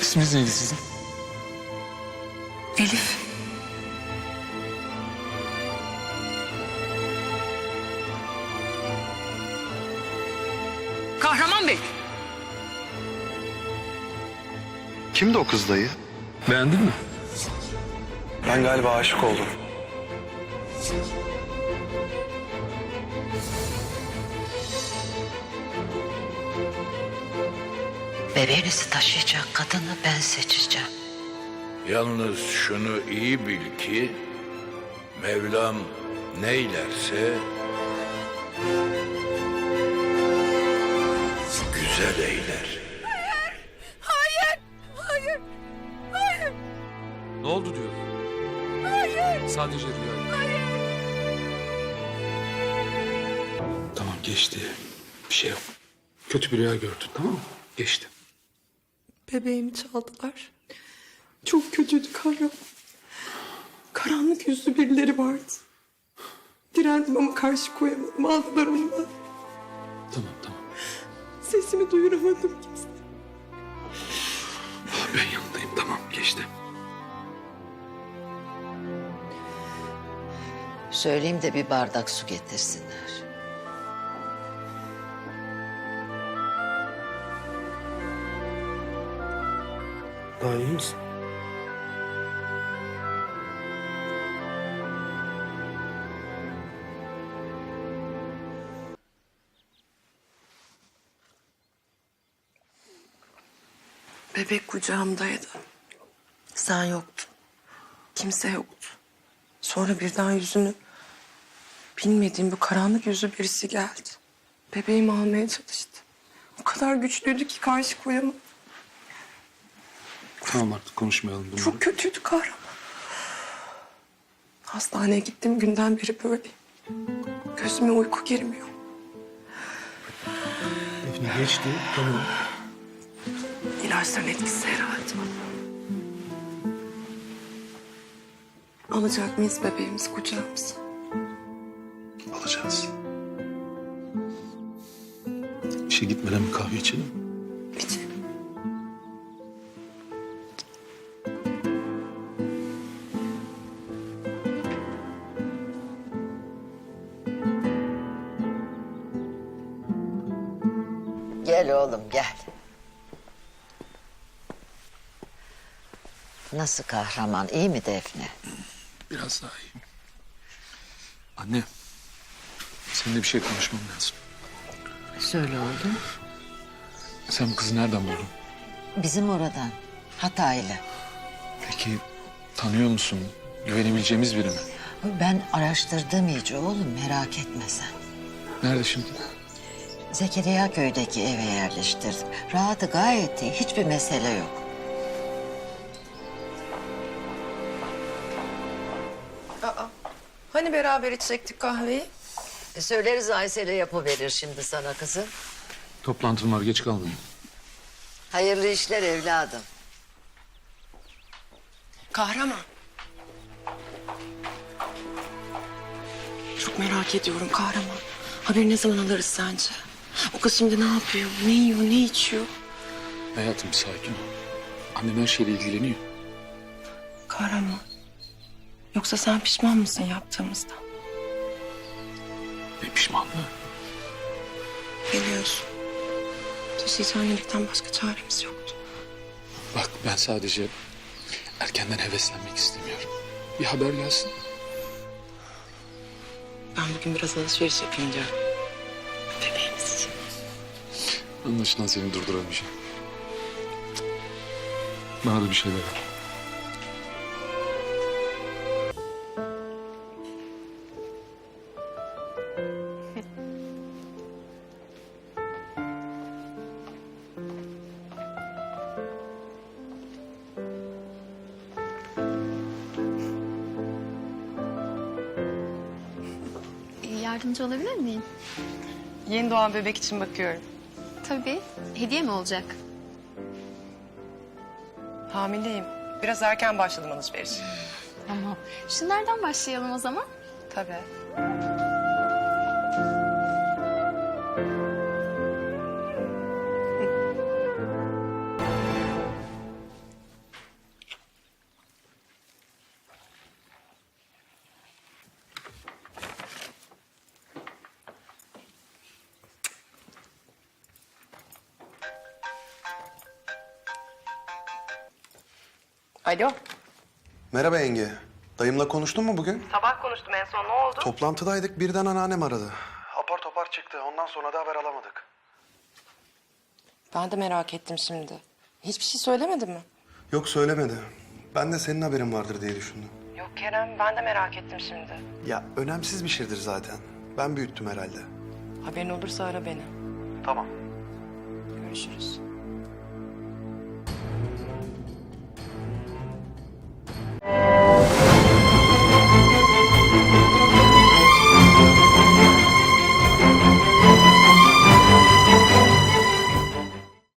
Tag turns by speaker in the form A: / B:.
A: İsminiz neydi sizin?
B: Elif. Kahraman Bey.
C: Kimdi o kız dayı?
A: Beğendin mi?
C: Ben galiba aşık oldum.
D: Bebeğinizi taşıyacak kadını ben seçeceğim.
E: Yalnız şunu iyi bil ki Mevlam neylerse güzel eyler.
A: Ne oldu diyor. Hayır. Sadece rüya. Hayır. Tamam geçti. Bir şey yok. Kötü bir rüya gördün, tamam mı? Geçti.
B: Bebeğimi çaldılar. Çok kötüydü Kahraman. Karanlık yüzlü birileri vardı. Direndim ama karşı koyamadım. Aldılar onu bana.
A: Tamam.
B: Sesimi duyuramadım kimse.
A: Ben yanındayım, tamam geçti.
D: Söyleyeyim de bir bardak su getirsinler.
A: Daha iyi misin?
B: Bebek kucağımdaydı. Sen yoktun. Kimse yoktu. Sonra birden yüzünü bilmediğim bu karanlık yüzlü birisi geldi. Bebeğimi almaya çalıştı. O kadar güçlüydü ki karşı koyamadım.
A: Tamam artık konuşmayalım bunları.
B: Çok kötüydü Kahraman. Hastaneye gittiğim günden beri böyleyim. Gözüme uyku girmiyor.
A: Defne geçti, tamam.
B: İlaçların etkisi herhalde. Alacak mıyız bebeğimizi kucağımıza?
C: Alacağız.
A: İşe gitmeden bir kahve içelim.
B: İçelim.
D: Gel oğlum gel. Nasıl kahraman, iyi mi Defne?
A: Biraz daha iyi. Anne, seninle bir şey konuşmam lazım.
D: Söyle oğlum.
A: Sen bu kızı nereden buldun?
D: Bizim oradan, Hataylı.
A: Peki tanıyor musun? Güvenebileceğimiz biri mi?
D: Ben araştırdım iyice oğlum, merak etme sen.
A: Nerede şimdi?
D: Zekeriya köydeki eve yerleştirdim. Rahatı gayet iyi, hiçbir mesele yok.
B: Hani beraber içecektik kahveyi?
D: Söyleriz Aysel'e yapıverir şimdi sana kızım.
A: Toplantım var, geç kalmayayım.
D: Hayırlı işler evladım.
B: Kahraman. Çok merak ediyorum Kahraman. Haberi ne zaman alırız sence? O kız şimdi ne yapıyor, ne yiyor, ne içiyor?
A: Hayatım sakin ol. Annem her şeyle ilgileniyor.
B: Kahraman. Yoksa sen pişman mısın yaptığımızdan?
A: Ne pişmanlığı?
B: Biliyorsun. Taşıyıcı annelikten başka çaremiz yoktu.
A: Bak ben sadece erkenden heveslenmek istemiyorum. Bir haber gelsin.
B: Ben bugün biraz alışveriş yapayım diyorum. Bebeğimiz için.
A: Anlaşılan seni durduramayacağım. Bana da bir şeyler ver.
F: Yardımcı olabilir miyim?
B: Yeni doğan bebek için bakıyorum.
F: Tabii. Hediye mi olacak?
B: Hamileyim. Biraz erken başladım alışveriş.
F: Tamam. Şunlardan başlayalım o zaman.
B: Tabii. Alo.
C: Merhaba yenge. Dayımla konuştun mu bugün?
B: Sabah konuştum en son, ne oldu?
C: Toplantıdaydık, birden anneannem aradı. Apar topar çıktı. Ondan sonra da haber alamadık.
B: Ben de merak ettim şimdi. Hiçbir şey söylemedi mi?
C: Yok, söylemedi. Ben de senin haberin vardır diye düşündüm.
B: Yok Kerem, ben de merak ettim şimdi.
C: Ya önemsiz bir şeydir zaten. Ben büyüttüm herhalde.
B: Haberin olursa ara beni.
C: Tamam.
B: Görüşürüz.